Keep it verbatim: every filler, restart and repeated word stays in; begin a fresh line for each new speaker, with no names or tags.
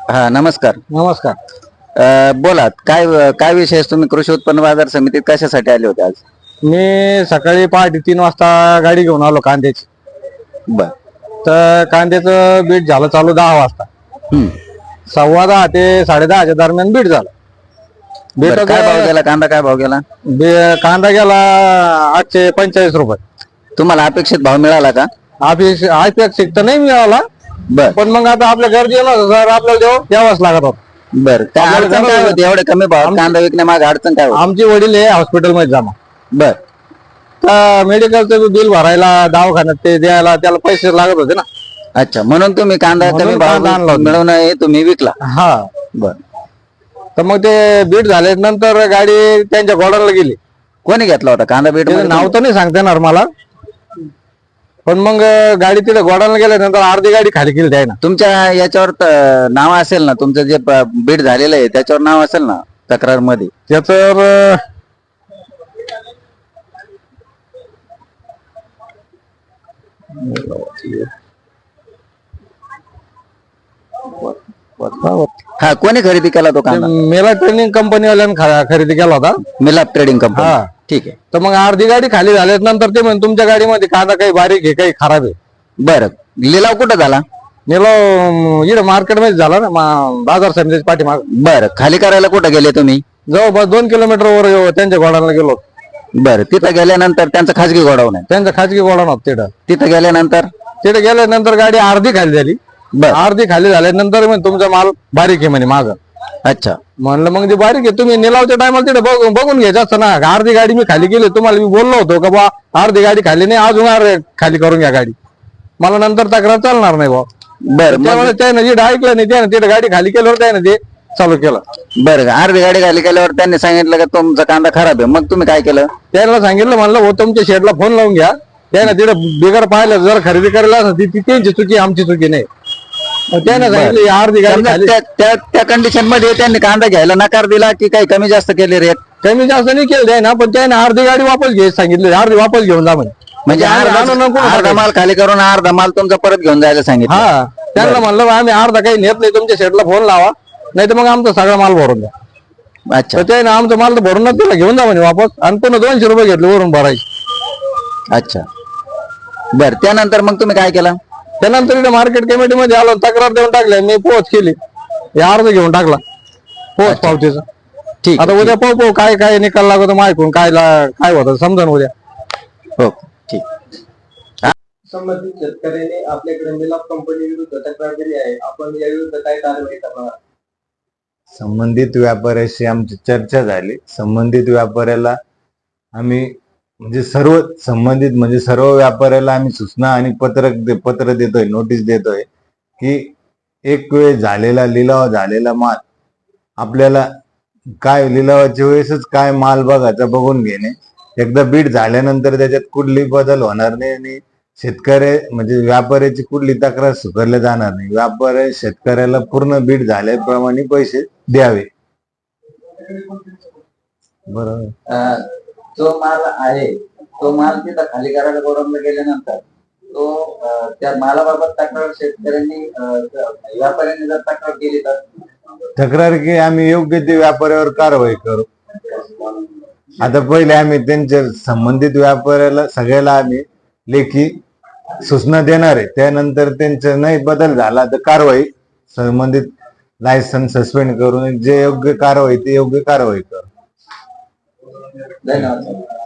हा नमस्कार.
नमस्कार.
अ, बोला काय काय विषय आहे? तुम्ही कृषी उत्पन्न बाजार समितीत कशासाठी आले होते आज?
मी सकाळी पहाटे तीन वाजता गाडी घेऊन आलो कांद्याची.
बर.
तर कांद्याचं बीट झालं चालू दहा वाजता.
हम्म.
सव्वा दहा ते साडे दहाच्या दरम्यान बीट झालं. बीट
बरं, काय भाव गेला कांदा? काय भाव गेला?
कांदा गेला आठशे पंचेचाळीस रुपये.
तुम्हाला अपेक्षित भाव मिळाला का?
अपेक्षित अपेक्षित तर नाही मिळाला,
बर.
पण मग आता आपल्या गरजेला सर आपल्याला देऊ द्यावाच लागत होत.
बर, काय
आपल्याला
अडचण काय
जमलं-
होती एवढे कमी भावात कांदा विकण्यामागे अडचण काय होती?
आमचे वडील हे हॉस्पिटलमध्ये जमा,
बर.
तर मेडिकलचं बिल भरायला दवाखान्यात ते द्यायला त्याला पैसे लागत होते ना.
अच्छा, म्हणून तुम्ही कांदा
म्हणून
कमी
कांदा आणला
भाव
होता.
मिळवून हे तुम्ही विकला.
हा,
बर.
तर मग ते बीट झाले नंतर गाडी त्यांच्या गोडाऊनला गेली.
कोणी घेतला होता कांदा बीट?
त्याचं नाव तर नाही सांगता येणार मला, पण मग गाडी तिथे गोडाऊनला गेल्यानंतर अर्धी गाडी खाली केली त्याने.
तुमच्या याच्यावर त- नाव असेल ना, तुमचं जे प- बीट झालेलं आहे त्याच्यावर नाव असेल ना तक्रार मध्ये?
त्याचं
हा, कोणी खरेदी केला तो कांदा?
मेला ट्रेनिंग कंपनीवाल्यानं खा- खरेदी केला होता.
मिलाप ट्रेडिंग
हा.
कंपनी. ठीक आहे.
तर मग अर्धी गाडी खाली झाल्यानंतर ते म्हणे तुमच्या गाडीमध्ये कांदा काही बारीक आहे काही खराब आहे.
बरं, लिलाव कुठं झाला?
नेलो इकडे मार्केटमध्ये झाला ना, मा- बाजार समितीच्या पाठीमाग.
बरं, खाली करायला कुठं गेले तुम्ही?
जवळपास दोन किलोमीटर वर त्यांच्या गोडाऊनला गेलो.
बरं, तिथं गेल्यानंतर त्यांचं खाजगी गोडाऊन आहे,
त्यांचं खाजगी गोडाऊन होतं तिथं.
तिथं गेल्यानंतर
तिथे गेल्यानंतर गाडी अर्धी खाली झाली.
बरं.
अर्धी खाली झाल्यानंतर म्हणे तुमचा माल बारीक आहे म्हणे माग.
अच्छा.
म्हणलं मग ते बारीक आहे, तुम्ही निलावच्या टायमाला तिथे बघून बघून घ्यायचं असतं ना. अर्धी गाडी मी खाली केली, तुम्हाला मी बोललो होतो का बा अर्धी गाडी खाली नाही, अजून अर्धी खाली करून घ्या गाडी. मला नंतर तक्रार चालणार नाही बा.
बरं, मग
त्यामुळे त्याने जिथं ऐकलं नाही त्याने तिथे गाडी खाली केल्यावर त्याने ते चालू केलं.
बरं, अर्धी गाडी खाली केल्यावर त्यांनी सांगितलं का तुमचा कांदा खराब आहे, मग तुम्ही काय केलं?
त्याला सांगितलं, म्हणलं हो तुमच्या शेडला फोन लावून घ्या. त्याने तिथे बिगर पाहिलं जर खरेदी करायला असं ती ती त्यांची चुकी, आमची चुकी नाही. मग त्याने सांगितलं ही अर्धी गाडी
समजा
खाली.
त्या- त्या त्या कंडिशन मध्ये त्यांनी कांदा घ्यायला नकार दिला की काही कमी जास्त केले रेट?
कमी जास्त नाही केलं त्याने, पण त्याने अर्धी गाडी वापस घ्यायची सांगितली. अर्धी वापस घेऊन जा म्हणे.
म्हणजे
आम्ही
अर्धा
जाणून नको
अर्धा
म्हणे.
माल खाली करून अर्धा माल तुमचा परत घेऊन जायला सांगितलं?
हा, त्यांना म्हणलं आम्ही अर्धा काही नेत नाही, तुमच्या शेडला फोन लावा, नाही तर मग आमचा सगळा माल भरून द्या.
अच्छा.
तर त्याने आमचा माल तर भरूनच दिला, घेऊन जा म्हणे वापस. आणि पुन्हा दोनशे रुपये घेतले वरून भरायचे.
अच्छा. बर, त्यानंतर मग तुम्ही काय केलं?
त्यानंतर इथे मार्केट कमिटीमध्ये आलो, तक्रार देऊन टाकल्या, मी पोहोच केली. हे अर्ज घेऊन टाकला पोहोच पावतीचा.
ठीक
आता
आहे,
उद्या पाहू पाहू काय काय निकाल लागतो माहिती काय ला- काय होतं समजा उद्या.
हो ठीक.
संबंधित शेतकऱ्यांनी आपल्याकडे मिलाप कंपनी विरुद्ध तक्रार दिली आहे. आपण या विरुद्ध काय कारवाई करणार?
संबंधित व्यापाऱ्याशी आमची चर्चा झाली. संबंधित व्यापाऱ्याला आम्ही म्हणजे सर्व संबंधित म्हणजे सर्व व्यापाऱ्याला आम्ही सूचना आणि पत्रक दे, पत्र देतोय, नोटीस देतोय की एक वेळ झालेला लिलाव झालेला माल आपल्याला काय लिलावाच्या वेळेसच काय माल बघायचा बघून घेणे. एकदा बीट झाल्यानंतर त्याच्यात कुठली बदल होणार नाही आणि शेतकरी म्हणजे व्यापाऱ्याची कुठली तक्रार स्वीकारल्या जाणार नाही. व्यापारी शेतकऱ्याला पूर्ण बीट झाल्याप्रमाणे पैसे द्यावे. बरोबर.
अं, जो माल आहे तो माल तिथं खाली करायला गोडाऊनला गेल्यानंतर तो अं, त्या मालाबाबत तक्रार शेतकऱ्यांनी अं, व्यापाऱ्यांनी जर तक्रार केली तर
तक्रार की आम्ही योग्य ते व्यापाऱ्यावर कारवाई करू. आता पहिले आम्ही त्यांच्या संबंधित व्यापाऱ्याला सगळ्याला आम्ही लेखी सूचना देणार आहे. त्यानंतर त्यांचा नाही बदल झाला तर कारवाई संबंधित लायसन्स सस्पेंड करून जे योग्य कारवाई ते योग्य कारवाई करू.
धन्यवाद.